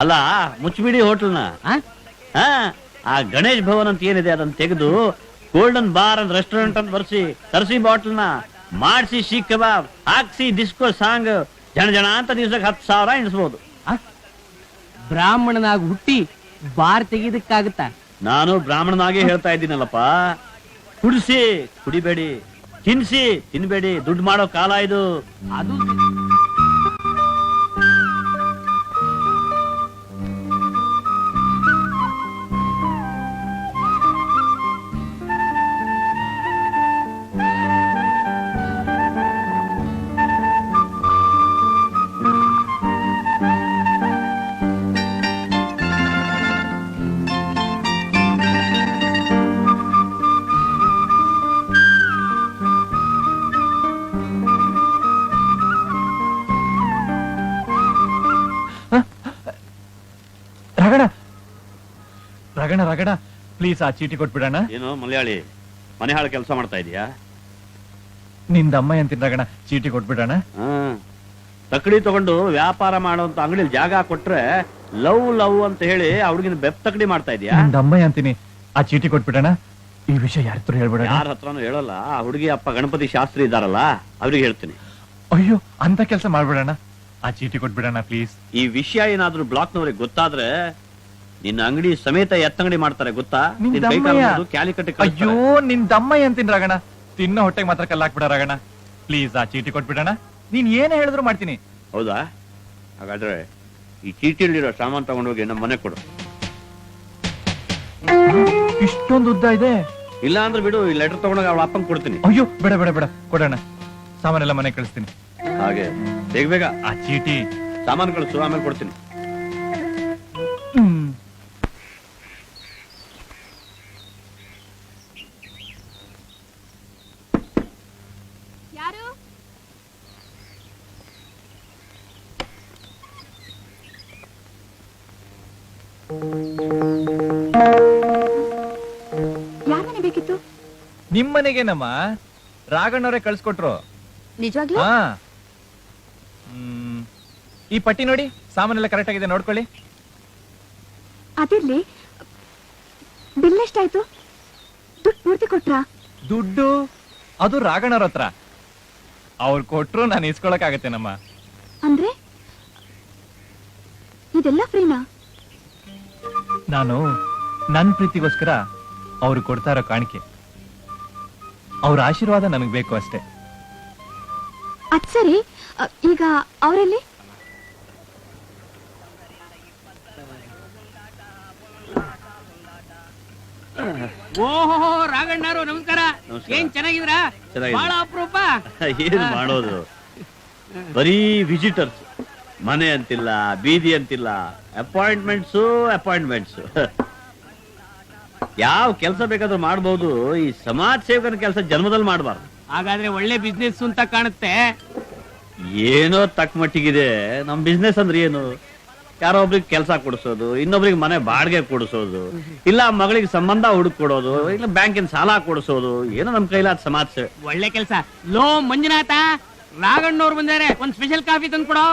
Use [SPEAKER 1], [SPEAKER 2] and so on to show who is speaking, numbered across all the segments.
[SPEAKER 1] ಅಲ್ಲ ಮುಚ್ಚಿಬಿಡಿ ಹೋಟೆಲ್ನ. ಆ ಗಣೇಶ್ ಭವನ್ ಅಂತ ಏನಿದೆ ಅದನ್ನ ತೆಗೆದು ಗೋಲ್ಡನ್ ಬಾರ್ ಅಂಡ್ ರೆಸ್ಟೋರೆಂಟ್ ಅಂತ ಬರ್ಸಿ, ತರಿಸಿ ಬಾಟ್ಲ್ನ, ಮಾಡಿಸಿ ಶೀಖ್ ಕಬಾಬ್, ಹಾಕ್ಸಿ ಡಿಸ್ಕೋ ಸಾಂಗ್, ಜನ ಅಂತ ದಿವ್ಸಕ್ಕೆ 10,000 ಎಣಿಸ್ಬೋದು.
[SPEAKER 2] ಬ್ರಾಹ್ಮಣನಾಗಿ ಹುಟ್ಟಿ ಬಾರ್ ತೆಗೀದಕ್ಕಾಗತ್ತ?
[SPEAKER 1] ನಾನು ಬ್ರಾಹ್ಮಣನಾಗೆ ಹೇಳ್ತಾ ಇದ್ದೀನಲ್ಲಪ್ಪ. ಕುಡಿಸಿ ಕುಡಿಬೇಡಿ, ತಿನ್ಸಿ ತಿನ್ಬೇಡಿ, ದುಡ್ಡು ಮಾಡೋ ಕಾಲ ಇದು.
[SPEAKER 2] ಅದು
[SPEAKER 3] ರಗಣ ರಗಣ ಪ್ಲೀಸ್ ಆ ಚೀಟಿ ಕೊಟ್ಬಿಡೋಣ.
[SPEAKER 1] ಏನು ಮಲಯಾಳಿ ಮನೆ ಹಾಳು ಕೆಲಸ ಮಾಡ್ತಾ ಇದೀಯಾ?
[SPEAKER 3] ನಿಂದಮ್ಮ ಅಂತೀನಿ ರಗಣ, ಚೀಟಿ ಕೊಟ್ಬಿಡೋಣ.
[SPEAKER 1] ತಕಡಿ ತಗೊಂಡು ವ್ಯಾಪಾರ ಮಾಡುವಂತ ಅಂಗಡಿಲಿ ಜಾಗ ಕೊಟ್ರೆ ಲವ್ ಲವ್ ಅಂತ ಹೇಳಿ ಅವ್ರಿಗಿನ ಬೆಪ್ ತಕಡಿ ಮಾಡ್ತಾ ಇದೀಯಾ?
[SPEAKER 3] ನಿಂದಮ್ಮ ಅಂತೀನಿ, ಆ ಚೀಟಿ ಕೊಟ್ಬಿಡೋಣ. ಈ ವಿಷಯ ಯಾರ ಹತ್ರ ಹೇಳ್ಬಿಡೋಣ?
[SPEAKER 1] ಯಾರ ಹತ್ರನೂ ಹೇಳಲ್ಲ. ಆ ಹುಡುಗಿ ಅಪ್ಪ ಗಣಪತಿ ಶಾಸ್ತ್ರಿ ಇದಾರಲ್ಲ, ಅವ್ರಿಗೆ ಹೇಳ್ತೀನಿ.
[SPEAKER 3] ಅಯ್ಯೋ, ಅಂತ ಕೆಲಸ ಮಾಡ್ಬಿಡೋಣ. ಆ ಚೀಟಿ ಕೊಟ್ಬಿಡೋಣ ಪ್ಲೀಸ್.
[SPEAKER 1] ಈ ವಿಷಯ ಏನಾದ್ರೂ ಬ್ಲಾಕ್ನವ್ರಿಗೆ ಗೊತ್ತಾದ್ರೆ ನಿನ್ನ ಅಂಗಡಿ ಸಮೇತ ಎತ್ತಂಗಡಿ ಮಾಡ್ತಾರೆ ಗೊತ್ತಾ?
[SPEAKER 3] ಅಯ್ಯೋ, ನಿಂದಮ್ಮ ಅಂತೀನಿ ರಗಣ, ತಿನ್ನೋ ಹೊಟ್ಟೆಗೆ ಮಾತ್ರ ಕಲ್ಲಾಕ್ಬಿಡ ರಗಣ. ಪ್ಲೀಸ್ ಆ ಚೀಟಿ ಕೊಟ್ಬಿಡೋಣ. ನೀನ್ ಏನ್ ಹೇಳಿದ್ರು ಮಾಡ್ತೀನಿ.
[SPEAKER 1] ಹೌದಾ? ಹಾಗಾದ್ರೆ ಈ ಚೀಟಿಯಲ್ಲಿರೋ ಸಾಮಾನ್ ತಗೊಂಡೋಗಿ ನಮ್ಮ ಮನೆ ಕೊಡು.
[SPEAKER 3] ಇಷ್ಟೊಂದು ಉದ್ದ ಇದೆ.
[SPEAKER 1] ಇಲ್ಲ ಅಂದ್ರೆ ಬಿಡು, ಈ ಲೆಟರ್ ತಗೊಂಡೋಗಿ ಅವಳ ಅಪ್ಪಂಗೆ ಕೊಡ್ತೀನಿ.
[SPEAKER 3] ಅಯ್ಯೋ, ಬೇಡ ಬೇಡ ಬೇಡ, ಕೊಡೋಣ. ಸಾಮಾನೆಲ್ಲ ಮನೆ ಕಳಿಸ್ತೀನಿ.
[SPEAKER 1] ಹಾಗೆ ಬೇಗ ಬೇಗ
[SPEAKER 3] ಆ ಚೀಟಿ
[SPEAKER 1] ಸಾಮಾನು ಕಳಿಸು, ಆಮೇಲೆ ಕೊಡ್ತೀನಿ.
[SPEAKER 4] ಯಾರನೆ ಬೇಕಿತ್ತು?
[SPEAKER 3] ನಿಮ್ಮನೆಗೇನಮ್ಮ, ರಾಘಣ್ಣವರೇ ಕಳ್ಸ್ಕೊಟ್ರು.
[SPEAKER 4] ನಿಜವಾಗ್ಲೂ?
[SPEAKER 3] ಹಾ. ಈ ಪಟ್ಟಿ ನೋಡಿ, ಸಾಮಾನೆಲ್ಲ ಕರೆಕ್ಟ್ ಆಗಿದೆ, ನೋಡ್ಕೊಳ್ಳಿ.
[SPEAKER 4] ಅದಿರ್ಲಿ, ಬಿಲ್ ಎಷ್ಟಾಯ್ತು? ದುಡ್ಡು ಪೂರ್ತಿ ಕೊಟ್ರಾ?
[SPEAKER 3] ದುಡ್ಡು ಅದು ರಾಘಣ್ಣವ್ರ ಹತ್ರ. ಅವ್ರು ಕೊಟ್ರು ನಾನು ಇಸ್ಕೊಳಕ್ಕಾಗತ್ತೇನಮ್ಮ.
[SPEAKER 4] ಅಂದ್ರೆ ಇದೆಲ್ಲ ಫ್ರೀನಾ?
[SPEAKER 3] ನಾನು ನನ್ ಪ್ರೀತಿಗೋಸ್ಕರ ಅವ್ರು ಕೊಡ್ತಾ ಇರೋ ಕಾಣಿಕೆ. ಅವ್ರ ಆಶೀರ್ವಾದ ನನಗ್ ಬೇಕು ಅಷ್ಟೇ.
[SPEAKER 4] ಅದ್ ಸರಿ, ಈಗ ಅವರಲ್ಲಿ?
[SPEAKER 2] ಓಹೋ, ರಾಘಣ್ಣರು ನಮಸ್ಕಾರ.
[SPEAKER 1] ನಮಸ್ಕಾರ.
[SPEAKER 2] ಏನ್ ಚೆನ್ನಾಗಿದ್ರಾ?
[SPEAKER 1] ಚೆನ್ನಾಗಿದೆ.
[SPEAKER 2] ಬಹಳ ಅಪರೂಪ.
[SPEAKER 1] ಏನ್ ಮಾಡೋದು, ಬರೀ ವಿಸಿಟರ್ಸ್. ಮನೆ ಅಂತಿಲ್ಲ, ಬೀದಿ ಅಂತಿಲ್ಲ, ಅಪಾಯಿಂಟ್ಮೆಂಟ್ಸ್. ಯಾವ ಕೆಲಸ ಬೇಕಾದ್ರೂ ಮಾಡಬಹುದು, ಈ ಸಮಾಜ ಸೇವಕನ ಕೆಲಸ ಜನ್ಮದಲ್ಲಿ ಮಾಡಬಾರ್ದು.
[SPEAKER 2] ಹಾಗಾದ್ರೆ ಒಳ್ಳೆ ಬಿಸ್ನೆಸ್ ಅಂತ ಕಾಣುತ್ತೆ.
[SPEAKER 1] ಏನೋ ತಕ್ಕ ಮಟ್ಟಿಗಿದೆ. ನಮ್ ಬಿಸ್ನೆಸ್ ಅಂದ್ರೆ ಏನು? ಯಾರೋ ಒಬ್ರಿಗೆ ಕೆಲಸ ಕೊಡಿಸೋದು, ಇನ್ನೊಬ್ರಿಗೆ ಮನೆ ಬಾಡಿಗೆ ಕೊಡಿಸೋದು, ಇಲ್ಲ ಮಗಳಿಗೆ ಸಂಬಂಧ ಹುಡುಕ್ ಕೊಡೋದು, ಇಲ್ಲ ಬ್ಯಾಂಕಿನ ಸಾಲ ಕೊಡಿಸೋದು, ಏನೋ ನಮ್ ಕೈಲಾದ ಸಮಾಜ ಸೇವೆ.
[SPEAKER 2] ಒಳ್ಳೆ ಕೆಲಸ. ಲೋ ಮಂಜುನಾಥ, ರಾಘಣ್ಣವ್ರು ಬಂದಾರೆ, ಒಂದ್ ಸ್ಪೆಷಲ್ ಕಾಫಿ ತಂದು ಕೊಡೋ.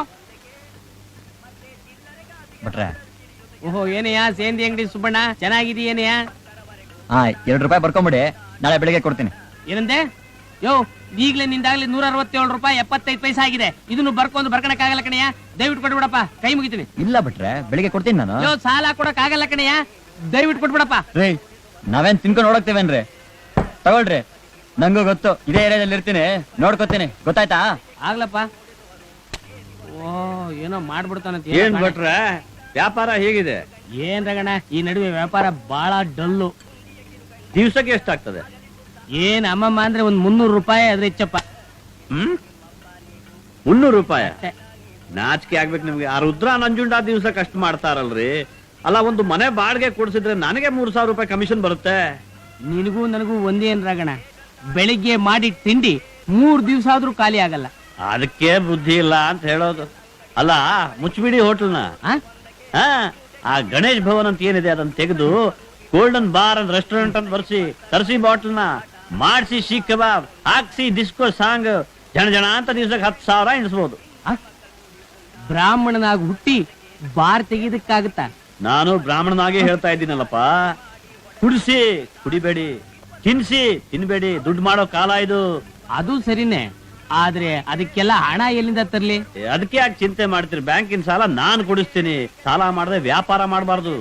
[SPEAKER 3] ಬಟ್ರೆ,
[SPEAKER 2] ಓಹೋ, ಏನಯ್ಯ ಸೇಂದಿ ಅಂಗಡಿ ಸುಬ್ಬಣ್ಣ, ಚೆನ್ನಾಗಿದೀಯೇನಯ್ಯ?
[SPEAKER 5] ಹಾ, 2 ರೂಪಾಯಿ ಬರ್ಕೊಂಬಿಡಿ, ನಾಳೆ ಬೆಳಿಗ್ಗೆ ಕೊಡ್ತೀನಿ.
[SPEAKER 2] ಏನಂದೆ? ಯೋ, ಈಗ್ಲೇ ನಿಂದಾಗ್ಲಿ 167 ರೂಪಾಯಿ 75 ಪೈಸೆ ಆಗಿದೆ. ಇದನ್ನು ಬರ್ಕೊಳಕ್ ಆಗಲ್ಲ ಕಣಯ್ಯ, ದಯವಿಟ್ಟು ಕೊಟ್ಬಿಡಪ್ಪ, ಕೈ ಮುಗಿತೀನಿ.
[SPEAKER 5] ಇಲ್ಲ ಬಿಟ್ರೆ ಬೆಳಿಗ್ಗೆ ಕೊಡ್ತೀನಿ ನಾನು.
[SPEAKER 2] ಯೋ, ಸಾಲ ಕೊಡಕ್ ಆಗಲ್ಲ ಕಣಯ್ಯ, ದಯವಿಟ್ಟು ಕೊಟ್ಬಿಡಪ್ಪ.
[SPEAKER 5] ರೀ, ನಾವೇನ್ ತಿನ್ಕೊಂಡು ನೋಡಕ್ತೇವೇನ್ರಿ? ತಗೊಳ್ರಿ, ನಂಗೂ ಗೊತ್ತು, ಇದೇ ಏರಿಯಾದಲ್ಲಿ ಇರ್ತೀನಿ, ನೋಡ್ಕೊತೀನಿ, ಗೊತ್ತಾಯ್ತಾ?
[SPEAKER 2] ಆಗ್ಲಪ್ಪ. ಓ, ಏನೋ ಮಾಡ್ಬಿಡ್ತಾನಂತ.
[SPEAKER 1] ಏನ್ ಬಿಟ್ರೆ ವ್ಯಾಪಾರ ಹೇಗಿದೆ?
[SPEAKER 2] ಏನ್ ರಗಣ, ಈ ನಡುವೆ ವ್ಯಾಪಾರ ಬಹಳ ಡಲ್ಲು.
[SPEAKER 1] ದಿವ್ಸಕ್ಕೆ ಎಷ್ಟಾಗ್ತದೆ?
[SPEAKER 2] ಏನ್ ಅಮ್ಮಮ್ಮ ಅಂದ್ರೆ ಒಂದ್ 300 ರೂಪಾಯಿ ಅದ್ರ ಹೆಚ್ಚಪ್ಪ.
[SPEAKER 1] 300 ರೂಪಾಯಿ? ನಾಚಿಕೆ ಆಗ್ಬೇಕು ನಿಮ್ಗೆ. ಆ ರುದ್ರ ನಂಜುಂಡ ದಿವ್ಸಕ್ಕೆ ಅಷ್ಟು ಮಾಡ್ತಾರಲ್ರಿ. ಅಲ್ಲ, ಒಂದು ಮನೆ ಬಾಡಿಗೆ ಕೊಡ್ಸಿದ್ರೆ ನನಗೆ 3,000 ರೂಪಾಯಿ ಕಮಿಷನ್ ಬರುತ್ತೆ.
[SPEAKER 2] ನಿನಗೂ ನನಗೂ ಒಂದೇನ್ ರಗಣ, ಬೆಳಿಗ್ಗೆ ಮಾಡಿ ತಿಂಡಿ 3 ದಿವ್ಸ ಆದ್ರೂ ಖಾಲಿ ಆಗಲ್ಲ.
[SPEAKER 1] ಅದಕ್ಕೆ ಬುದ್ಧಿ ಇಲ್ಲ ಅಂತ ಹೇಳೋದು. ಅಲ್ಲ, ಮುಚ್ಚಿಬಿಡಿ ಹೋಟೆಲ್ನ. ಆ ಗಣೇಶ್ ಭವನ್ ಅಂತ ಏನಿದೆ ಅದನ್ನ ತೆಗೆದು ಗೋಲ್ಡನ್ ಬಾರ್ ಅಂಡ್ ರೆಸ್ಟೋರೆಂಟ್ ಅಂತ ಬರ್ಸಿ, ತರಿಸಿ ಬಾಟ್ಲ್ನ, ಮಾಡಿಸಿ ಶೀಖ್ ಕಬಾಬ್, ಹಾಕ್ಸಿ ಡಿಸ್ಕೋ ಸಾಂಗ್, ಜನ ಅಂತ ದಿವ್ಸಕ್ಕೆ 10,000 ಎಣಿಸ್ಬೋದು.
[SPEAKER 2] ಬ್ರಾಹ್ಮಣನಾಗಿ ಹುಟ್ಟಿ ಬಾರ್ ತೆಗೀದಕ್ಕಾಗುತ್ತಾ?
[SPEAKER 1] ನಾನು ಬ್ರಾಹ್ಮಣನಾಗೆ ಹೇಳ್ತಾ ಇದ್ದೀನಲ್ಲಪ್ಪ, ಕುಡಿಸಿ ಕುಡಿಬೇಡಿ, ತಿನ್ಸಿ ತಿನ್ಬೇಡಿ, ದುಡ್ಡು ಮಾಡೋ ಕಾಲ ಇದು.
[SPEAKER 2] ಅದು ಸರಿನೇ, ಆದ್ರೆ ಅದಕ್ಕೆಲ್ಲ ಹಣ ಎಲ್ಲಿಂದ ತರ್ಲಿ?
[SPEAKER 1] ಅದಕ್ಕೆ ಯಾಕೆ ಚಿಂತೆ ಮಾಡ್ತೀರಿ? ಬ್ಯಾಂಕಿನ ಸಾಲ ನಾನು ಕೊಡಿಸ್ತೀನಿ. ಸಾಲ ಮಾಡದೆ ವ್ಯಾಪಾರ ಮಾಡಬಾರ್ದು.